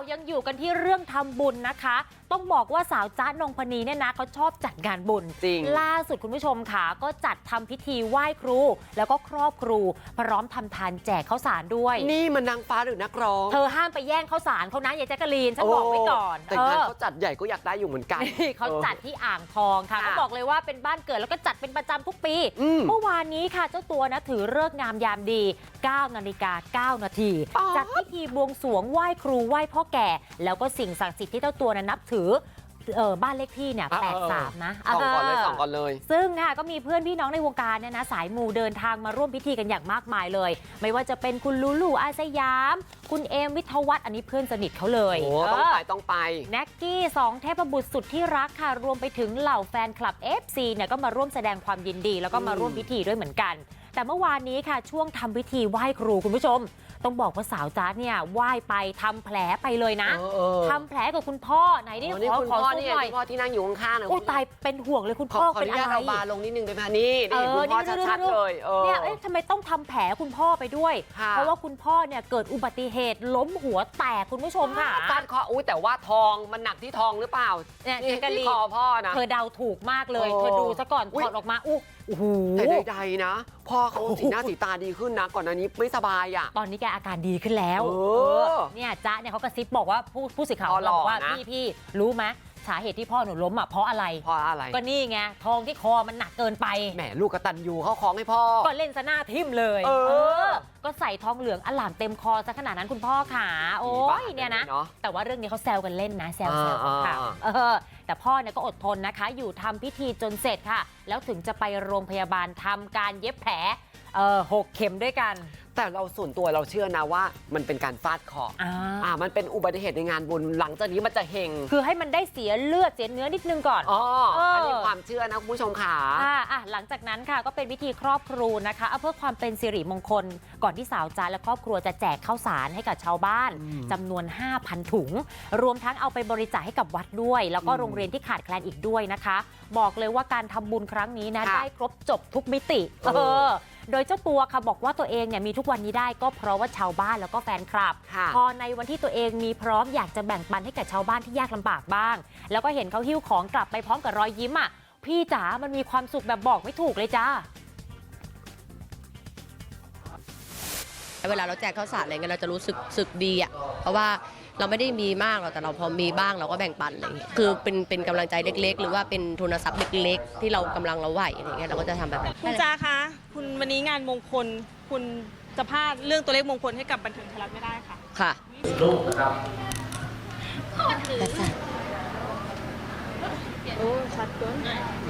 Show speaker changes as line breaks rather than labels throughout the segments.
ยังอยู่กันที่เรื่องทำบุญนะคะต้องบอกว่าสาวจ๊ะนงพนีเนี่ยนะเขาชอบจัดงานบุญ
จริง
ล่าสุดคุณผู้ชมค่ะก็จัดทำพิธีไหว้ครูแล้วก็ครอบครูพร้อมทำทานแจกข้าวสารด้วย
นี่มันนางฟ้าหรือนักร้อง
เธอห้ามไปแย่งข้าวสารเขานะยายแจ๊กกะลีนฉันบอกไว้ก่อน
แต่งานเขาจัดใหญ่ก็อยากได้อยู่เหมือนกัน
เขาจัดที่อ่างทองค่ะเขาบอกเลยว่าเป็นบ้านเกิดแล้วก็จัดเป็นประจำทุกปีเมื่อวานนี้ค่ะเจ้าตัวนะถือฤกษ์งามยามดี 9:09 น.จัดพิธีบวงสรวงไหว้ครูไหว้พ่อแก่แล้วก็สิ่งศักดิ์สิทธิ์ที่เจ้าตัวนับถือบ้านเลขที่เนี่ย83นะ
ส่องก่อนเลย
ซึ่งค่ะก็มีเพื่อนพี่น้องในวงการเนี่ยนะสายมูเดินทางมาร่วมพิธีกันอย่างมากมายเลยไม่ว่าจะเป็นคุณลูลูอาสยามคุณเอมวิทวัฒน์อันนี้เพื่อนสนิทเขาเลย
ต้องไป
แน็กกี้2เทพบุตรสุดที่รักค่ะรวมไปถึงเหล่าแฟนคลับ FC เนี่ยก็มาร่วมแสดงความยินดีแล้วก็มาร่วมพิธีด้วยเหมือนกันแต่เมื่อวานนี้ค่ะช่วงทำพิธีไหว้ครูคุณผู้ชมต้องบอกว่าสาวจ๊าเนี่ยไหว้ไปทำแผลไปเลยนะทำแผลกับคุณพ่อไหนนี่ขอซูมหน่อย
พ่อที่นั่งอยู่ข้างๆนะ
โอ้ตายเป็นห่วงเลยคุณพ่อเป็นอะไร
เราบาลงนิดนึงได้ไหมนี่คุณพ่อชัดๆเลย
เนี่ยทำไมต้องทำแผลคุณพ่อไปด้วยเพราะว่าคุณพ่อเนี่ยเกิดอุบัติเหตุล้มหัวแตกคุณผู้ชมค่ะ
ฟาดคอแต่ว่าทองมันหนักที่ทองหรือเปล่า
เนี่ยที่
คอพ่อนะ
เธอเดาถูกมากเลยเธอดูซะก่อนถอดออกมาโอ้โห
แต่ใดๆนะพ่อเขาสีหน้าสีตาดีขึ้นนะก่อนหน้านี้ไม่สบายอ่ะ
ตอนนี้แกอาการดีขึ้นแล้วเนี่ยจ๊ะเนี่ยเขากระซิบบอกว่าผู้สื่อข่าวบอกว่าพี่รู้ไหมสาเหตุที่พ่อหนูล้มอ่ะเพราะอะไรก็นี่ไงทองที่คอมันหนักเกินไป
แหมลูกกตัญญูเขาคล้องให้พ่อ
ก็เล่นซะหน้าทิ่มเลยก็ใส่ทองเหลืองอลามเต็มคอซะขนาดนั้นคุณพ่อขาโอ้ยเนี่ยนะแต่ว่าเรื่องนี้เขาแซวกันเล่นนะแซวค่ะแต่พ่อเนี่ยก็อดทนนะคะอยู่ทำพิธีจนเสร็จค่ะแล้วถึงจะไปโรงพยาบาลทำการเย็บแผล6 เข็มด้วยกัน
แต่เราส่วนตัวเราเชื่อนะว่ามันเป็นการฟาดเคราะห์มันเป็นอุบัติเหตุในงานบุญหลังจากนี้มันจะเฮง
คือให้มันได้เสียเลือดเสียเนื้อนิดนึงก่อน
อันนี้ความเชื่อนะคุณผู้ชมค่ะ
หลังจากนั้นค่ะก็เป็นพิธีครอบครูนะคะเพื่อความเป็นสิริมงคลก่อนที่สาวจ๊ะและครอบครัวจะแจกข้าวสารให้กับชาวบ้านจำนวน 5,000 ถุงรวมทั้งเอาไปบริจาคให้กับวัดด้วยแล้วก็โรงเรียนที่ขาดแคลนอีกด้วยนะคะบอกเลยว่าการทำบุญครั้งนี้นะได้ครบจบทุกมิติโดยเจ้าตัวค่ะบอกว่าตัวเองเนี่ยมีทุกวันนี้ได้ก็เพราะว่าชาวบ้านแล้วก็แฟนคลับพอในวันที่ตัวเองมีพร้อมอยากจะแบ่งปันให้กับชาวบ้านที่ยากลำบากบ้างแล้วก็เห็นเขาหิ้วของกลับไปพร้อมกับรอยยิ้มอ่ะพี่จ๋ามันมีความสุขแบบบอกไม่ถูกเลยจ้า
เวลาเราแจกข้าวสารอะไรเงี้ยเราจะรู้สึกดีอ่ะเพราะว่าเราไม่ได้มีมากหรอกแต่เราพอมีบ้างเราก็แบ่งปันอะไรเงี้ยคือเป็นกำลังใจเล็กๆหรือว่าเป็นทุนทรัพย์เล็กๆที่เรากำลังเราไหวอะไรเงี้ยเราก็จะทำแบบนั้น
คุณจ้าคะคุณวันนี้งานมงคลคุณจะพลาดเรื่องตัวเลขมงคลให้กับบันเทิงไทยรัฐไม่ได้ค่ะ
ค่ะ
รูปนะครับ
โอ้ชัดเกิน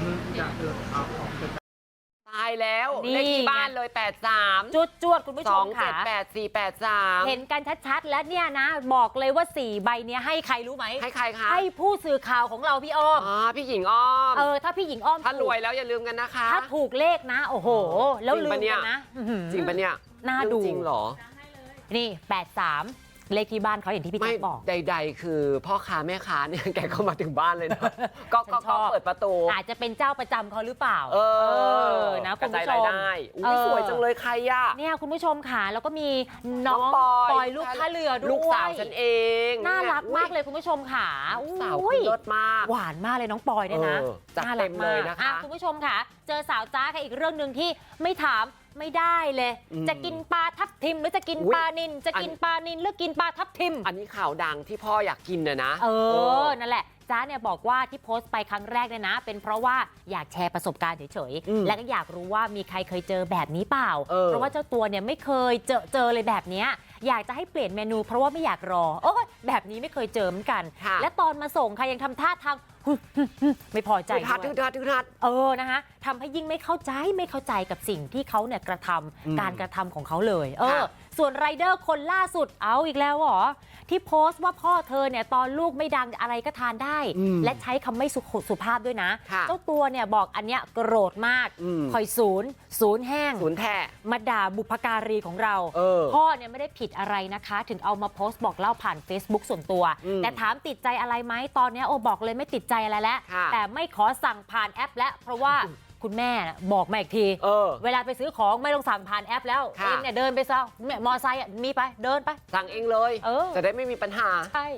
ตายแล้วเลขที่บ้านเลย83
จวดคุณผู้ชมค่ะ
2784883
เห็นกันชัดๆแล้วเนี่ยนะบอกเลยว่า4 ใบเนี้ยให้ใครรู้ไหม
ให้ใครคะ
ให้ผู้สื่อข่าวของเราพี่อ้อม
พี่หญิงอ้อม
ถ้าพี่หญิงอ้อม
ถ้ารวยแล้วอย่าลืมกันนะคะ
ถ้าถูกเลขนะโอ้โหแล้วลืมกันนะ
จริงปะเนี่ย
น่าดู
จริงเหรอ
นี่83เลขที่บ้านเขาอย่างที่พี่แจ๊คบอก
ใดๆคือพ่อค้าแม่ค้าเนี่ยแกเข้ามาถึงบ้านเลยนะก็เปิดประตู
อาจจะเป็นเจ้าประจำเขาหรือเปล่านะคุณผู้ชม
สวยจังเลยใครอะ
เนี่ยคุณผู้ชมค่ะแล้วก็มีน้องปอยลูกท่าเรือด้วย
ลูกสาวฉันเอง
น่ารักมากเลยคุณผู้ชมค่ะ
สาวคุณเลิศมาก
หวานมากเลยน้องปอยเนี่ยนะ
น่ารักเลยนะคะ
คุณผู้ชมค่ะเจอสาวจ้าค่ะอีกเรื่องหนึ่งที่ไม่ถามไม่ได้เลยจะกินปลาทับทิมหรือจะกินปลานิลจะกินปลานิลหรือกินปลาทับทิม
อันนี้ข่าวดังที่พ่ออยากกินนะ
นั่นแหละจ้าเนี่ยบอกว่าที่โพสต์ไปครั้งแรกเนี่ยนะเป็นเพราะว่าอยากแชร์ประสบการณ์เฉยๆและก็อยากรู้ว่ามีใครเคยเจอแบบนี้เปล่าเพราะว่าเจ้าตัวเนี่ยไม่เคยเจอเลยแบบนี้อยากจะให้เปลี่ยนเมนูเพราะว่าไม่อยากรอแบบนี้ไม่เคยเจอเหมือนกันและตอนมาส่งใครยังทำท่าทางไม่พอใจนะคะทำให้ยิ่งไม่เข้าใจกับสิ่งที่เขาเนี่ยกระทำการกระทำของเขาเลยส่วนไรเดอร์คนล่าสุดเอาอีกแล้วเหรอที่โพสต์ว่าพ่อเธอเนี่ยตอนลูกไม่ดังอะไรก็ทานได้และใช้คำไม่สุภาพด้วยนะเจ้าตัวเนี่ยบอกอันเนี้ยโกรธมากคอยศูนย์แห้ง
ศูนย์แท้
มาด่าบุพการีของเราพ่อเนี่ยไม่ได้ผิดอะไรนะคะถึงเอามาโพสต์บอกเล่าผ่าน Facebook ส่วนตัวแต่ถามติดใจอะไรไหมตอนนี้บอกเลยไม่ติดใจอะไรแล้วแต่ไม่ขอสั่งผ่านแอปแล้วเพราะว่าคุณแม่บอกมาอีกทีเวลาไปซื้อของไม่ต้องสั่งผ่านแอปแล้วเองเนี่ยเดินไปซะมอไซค์มีไปเดินไป
สั่งเองเลยจะได้ไม่มีปัญหา
ใช่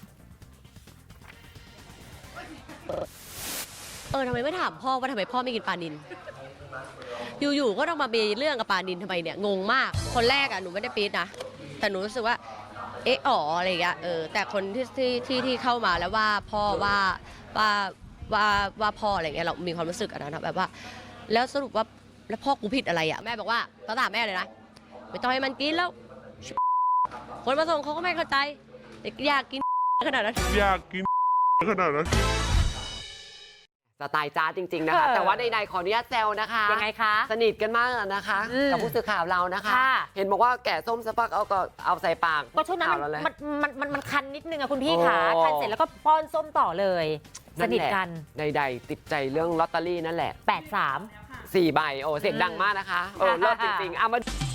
ทำไมไม่ถามพ่อว่าทำไมพ่อไม่กินปลานิลอยู่ๆก็ต้องมามีเรื่องกับปลานิลทำไมเนี่ยงงมากคนแรกหนูไม่ได้ปี๊ดนะแต่หนูรู้สึกว่าอะไรอย่างเงี้ยแต่คนที่เข้ามาแล้วว่าพ่อว่าพ่ออะไรเงี้ยเรามีความรู้สึกนะแบบว่าแล้วสรุปว่าแล้วพ่อกูผิดอะไรแม่บอกว่าตามแม่เลยนะไม่ต้องให้มันกินแล้วคนมาส่งเขาก็ไม่เข้าใจอยากกินขนาดนั้น
สไตล์จ้าจริงๆนะคะแต่ว่าใดๆขออนุญาตแซวนะคะ
ยังไงคะ
สนิทกันมากนะคะกับผู้สื่อข่าวเรานะคะเห็นบอกว่าแกะส้มสักพักเอาใส่ปาก
ก็ช่วงนั้นมันคันนิดนึงคุณพี่ขาคันเสร็จแล้วก็ป้อนส้มต่อเลยสนิทกัน
ใดๆติดใจเรื่องลอตเตอรี่นั่นแหละ
83
4 ใบเสียงดังมากนะคะเลิศจริงๆมา